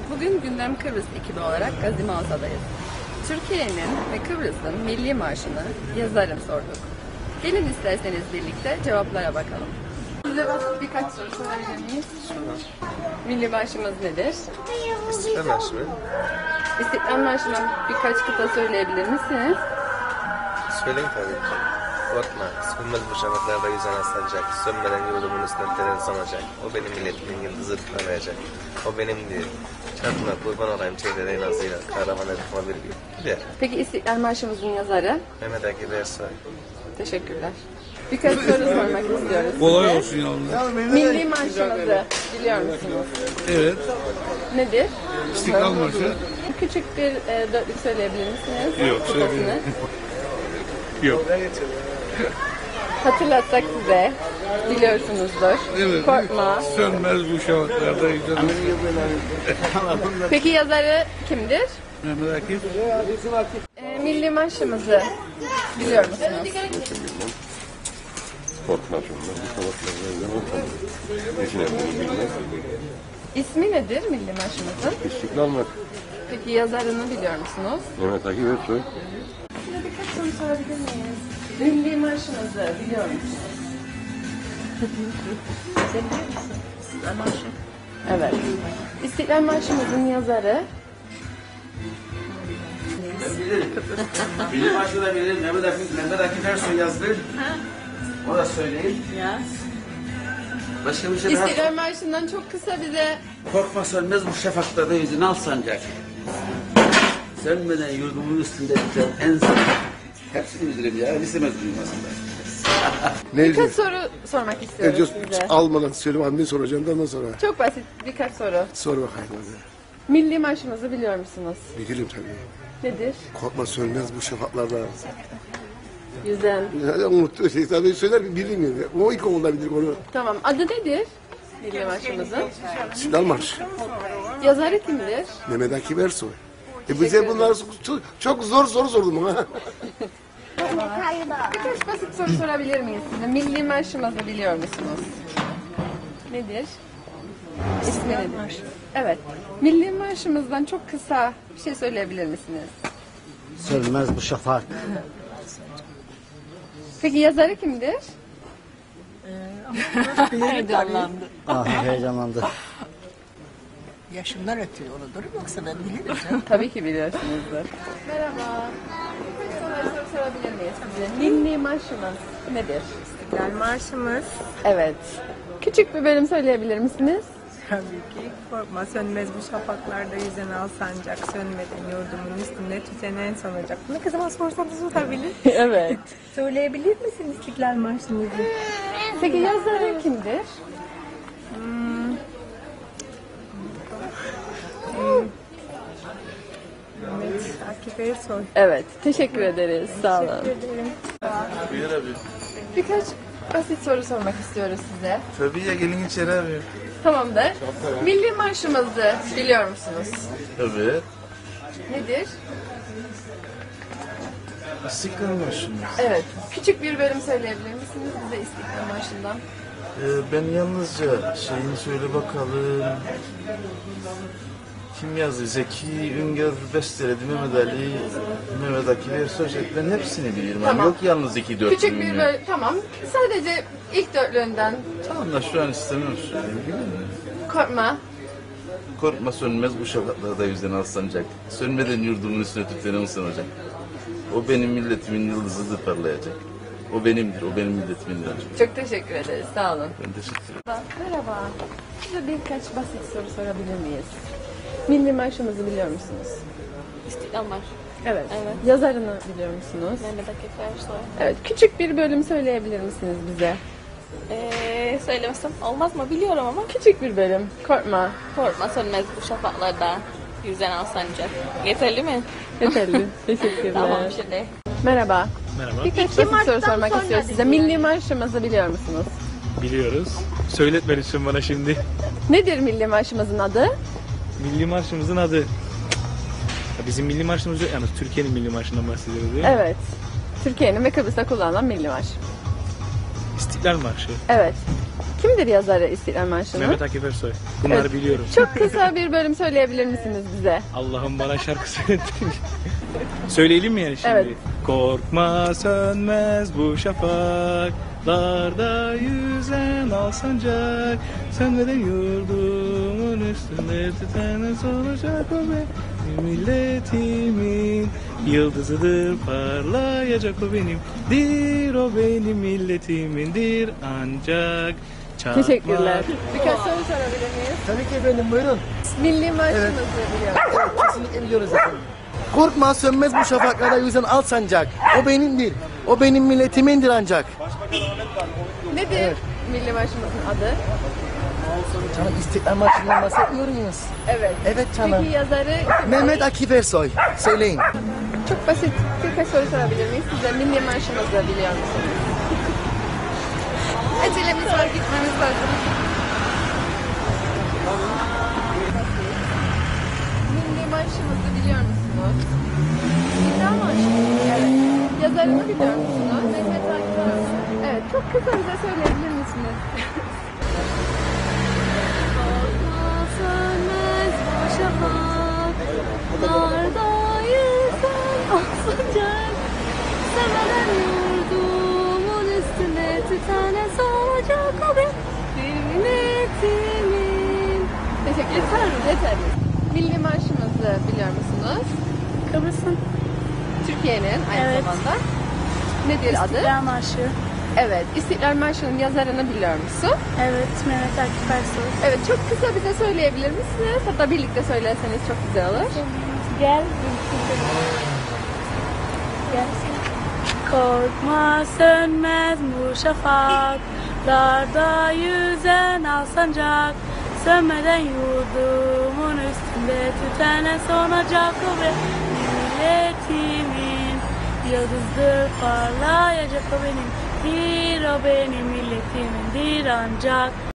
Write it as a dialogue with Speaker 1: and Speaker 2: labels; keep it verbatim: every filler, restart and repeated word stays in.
Speaker 1: Bugün Gündem Kıbrıs ekibi olarak Gazi Mağaza'dayız. Türkiye'nin ve Kıbrıs'ın milli marşını yazarım sorduk. Gelin isterseniz birlikte cevaplara bakalım. Size basit birkaç soru sorabilir miyiz? Milli marşımız nedir?
Speaker 2: İstiklal Marşı mı?
Speaker 1: İstiklal Marşı'ndan birkaç kıta söyleyebilir misiniz?
Speaker 2: Söyleyeyim tabii ki. Korkma, sönmez bu şafaklarda yüzen aslanacak. Sönmeden yurdumun üstüne teren sanacak. O benim milletimin yıldızı parlayacak. O benimdir. Çarpma kurban olayım çeyreğin ağzıyla. Kahraman edifma bir gün. Gider.
Speaker 1: Peki İstiklal Marşımızın yazarı?
Speaker 2: Mehmet Akif Ersoy.
Speaker 1: Teşekkürler. Birkaç soru sormak istiyoruz
Speaker 3: Kolay
Speaker 1: size.
Speaker 3: olsun yavrum.
Speaker 1: Milli marşımızı biliyor musunuz?
Speaker 3: Evet.
Speaker 1: Nedir?
Speaker 3: İstiklal Marşı.
Speaker 1: Küçük bir e, dörtlük söyleyebilir misiniz?
Speaker 3: Yok,
Speaker 1: Kıtasını.
Speaker 3: söyleyeyim. Yok.
Speaker 1: Hatırlatsak size. Biliyorsunuzdur.
Speaker 3: Evet.
Speaker 1: Korkma.
Speaker 3: Sönmez bu şafaklarda yüzen.
Speaker 1: Peki yazarı kimdir?
Speaker 3: Mehmet Akif.
Speaker 1: E, milli marşımızı biliyor musunuz?
Speaker 4: Korkma şundan, bu sabahlarda yüzen Eşine bunu bilmez.
Speaker 1: İsmi nedir milli marşımızın?
Speaker 4: İstiklal Marşı.
Speaker 1: Peki yazarını biliyor musunuz?
Speaker 4: Mehmet Akif Ersoy.
Speaker 1: Size birkaç soru sorabilir miyiz? Milli marşımızı biliyor musunuz? Sen biliyor musun? İstiklal Marşı. Evet. İstiklal Marşımızın yazarı?
Speaker 5: Milli Marşı da bilir. Mehmet Akif, Mehmet Akif Ersoy yazdı. O da söyleyeyim.
Speaker 1: Yaz.
Speaker 5: Başka bir şey daha.
Speaker 1: İstiklal Marşı'ndan çok kısa bize...
Speaker 5: Korkma sönmez bu şafaklarda yüzün al sancak. Sönmeden yurdumun üstünde biten en son. Hepsini bilirim ya. Lise mezunuyum aslında.
Speaker 1: Birkaç soru sormak istiyorum size.
Speaker 6: Almadan söyleyeyim, anneyi soracağım da ondan sonra.
Speaker 1: Çok basit birkaç soru.
Speaker 6: Sor bakayım hadi.
Speaker 1: Milli marşımızı biliyor musunuz?
Speaker 6: Bilirim tabii.
Speaker 1: Nedir?
Speaker 6: Korkma sönmez bu şafaklarda.
Speaker 1: Yüzen.
Speaker 6: Ya, unuttu şey tabii söyler ki bilmiyorum. Ya. O ilk okulda bilir onu.
Speaker 1: Tamam. Adı nedir? Milli marşımızın.
Speaker 6: İstiklal Marşı.
Speaker 1: Yazarı kimdir?
Speaker 6: Mehmet Akif Ersoy. E bize bunlar çok, çok zor soru sordum ha.
Speaker 1: Birkaç basit soru sorabilir miyiz size? Milli marşımızı biliyor musunuz? Nedir? İsmi nedir? Evet. Milli marşımızdan çok kısa bir şey söyleyebilir misiniz?
Speaker 7: Sönmez bu şafak.
Speaker 1: Peki yazarı kimdir?
Speaker 8: Heyecanlandı.
Speaker 7: Ah heyecanlandı.
Speaker 8: Yaşımdan ötürü onudur yoksa ben bilirim canım.
Speaker 1: Tabii ki biliyorsunuzdur. Merhaba. Birkaç soru sorabilir miyiz size? Milli marşımız nedir?
Speaker 9: İstiklal Marşımız
Speaker 1: Evet. Küçük bir bölüm söyleyebilir misiniz?
Speaker 9: tabii ki korkma sönmez bu şafaklarda yüzen al sancak sönmeden yurdumun üstünde tütenen sanacak. Ne kızıma sorsanız olabilir.
Speaker 1: Evet.
Speaker 9: Söyleyebilir misin İstiklal Marşımızı?
Speaker 1: Peki yazarı kimdir?
Speaker 9: Hmm. Mehmet Akif Ersoy.
Speaker 1: Evet. Teşekkür ederiz. Sağ olun.
Speaker 9: Teşekkür ederim.
Speaker 3: Buyur abi.
Speaker 1: Birkaç basit soru sormak istiyoruz size.
Speaker 3: Tabii ya, gelin içeri abi.
Speaker 1: Tamamdır. Milli marşımızı biliyor musunuz?
Speaker 3: Evet.
Speaker 1: Nedir?
Speaker 3: İstiklal Marşı mı?
Speaker 1: Evet. Küçük bir bölüm söyleyebilir misiniz bize İstiklal Marşı'ndan?
Speaker 3: Ee, ben yalnızca şeyini söyle bakalım. Kim yazdı? Zeki Üngör besteledi, Mehmet Ali, Mehmet Akif Ersoy. Ben hepsini bilirim.
Speaker 1: Tamam.
Speaker 3: Yok yalnız iki dört
Speaker 1: Küçük bir bölüm. Tamam. Sadece ilk dörtlüğünden.
Speaker 3: Tamam da şu an istemiyorum söyleyeyim. Biliyor musun?
Speaker 1: Korkma.
Speaker 3: Korkma sönmez bu şafaklarda yüzden alsancak. Sönmeden yurdumun üstüne tütenen sanacak. O benim milletimin yıldızıdır parlayacak. O benimdir, o benim milletimindir.
Speaker 1: Çok teşekkür ederiz. Sağ olun.
Speaker 3: Ben teşekkür ederim.
Speaker 1: Merhaba. Size birkaç basit soru sorabilir miyiz? Milli marşımızı biliyor musunuz?
Speaker 10: İstiklal Marşı.
Speaker 1: Evet.
Speaker 10: Evet.
Speaker 1: Yazarını biliyor musunuz?
Speaker 10: Mehmet Akif Ersoy.
Speaker 1: Evet. Küçük bir bölüm söyleyebilir misiniz bize?
Speaker 10: Ee, söylemesem olmaz mı? Biliyorum ama.
Speaker 1: Küçük bir bölüm. Korkma.
Speaker 10: Korkma sönmez bu şafaklarda yüzen al sancak. Yeterli mi?
Speaker 1: Yeterli. Teşekkürler.
Speaker 10: Tamam şimdi.
Speaker 1: Merhaba.
Speaker 11: Merhaba.
Speaker 1: Birkaç basit soru sormak istiyoruz size. Milli marşımızı biliyor musunuz?
Speaker 11: Biliyoruz. Söyletme lütfen bana şimdi.
Speaker 1: Nedir milli marşımızın adı?
Speaker 11: Milli marşımızın adı. Ya bizim milli marşımız yok. Yani Türkiye'nin milli marşından bahsediyoruz değil mi?
Speaker 1: Evet. Türkiye'nin ve Kıbrıs'ta kullanılan milli marş.
Speaker 11: İstiklal Marşı.
Speaker 1: Evet. Kimdir yazarı İstiklal Marşı'nın?
Speaker 11: Mehmet Akif Ersoy. Bunları
Speaker 1: Evet.
Speaker 11: biliyorum.
Speaker 1: Çok kısa bir bölüm söyleyebilir misiniz bize?
Speaker 11: Allah'ım bana şarkı söyletin. Söyleyelim mi yani şimdi?
Speaker 1: Evet.
Speaker 11: Korkma sönmez bu şafaklarda yüzen al sancak. Sönmeden yurdumun üstünde tüteniz olacak o benim milletimin yıldızıdır parlayacak o benimdir o benim milletimindir ancak çarpma.
Speaker 1: Teşekkürler. Birkaç soru sorabilir miyiz?
Speaker 12: Tabii ki efendim, buyurun.
Speaker 1: Milli marşımızı biliyor musunuz?
Speaker 12: Evet, kesinlikle biliyoruz efendim. Korkma sönmez bu şafaklarda yüzen al sancak. O benimdir. O benim milletimindir ancak.
Speaker 1: Nedir milli marşımızın adı?
Speaker 12: Canım İstiklal Marşı'ndan bahsetmiyor muyuz?
Speaker 1: Evet.
Speaker 12: Evet canım.
Speaker 1: Peki yazarı kim?
Speaker 12: Mehmet Akif Ersoy. Söyleyin.
Speaker 1: Çok basit birkaç soru sorabilir miyiz? Size milli marşımızı biliyor musunuz? Acelemiz var, gitmemiz lazım. Milli marşımızı biliyor musunuz? İstiklal Marşı. Evet. Yazarını biliyor musunuz? Mehmet Akif Ersoy. Evet, çok kısa bize söyleyebilir misiniz?
Speaker 10: Sönmez bu şafaklarda yüzen al sancak. Sevelen yurdumun üstüne tütene solacak o benim milletimin.
Speaker 1: Teşekkür ederim. Yeter. Milli marşımızı biliyor musunuz?
Speaker 10: Kıbrıs'ın
Speaker 1: Türkiye'nin aynı
Speaker 10: Evet.
Speaker 1: zamanda. Nedir adı?
Speaker 10: İstiklal Marşı.
Speaker 1: Evet. İstiklal Marşı'nın yazarını biliyor musun?
Speaker 10: Evet, Mehmet Akif Ersoy.
Speaker 1: Evet. Çok kısa bize söyleyebilir misiniz? Hatta birlikte söylerseniz çok güzel olur.
Speaker 10: Gel. Gel. Korkma sönmez bu şafaklarda yüzen al sancak. Sönmeden yurdumun üstünde tütene sonacak o benim milletimin yıldızdır parlayacak o benim dir o benim milletimindir ancak.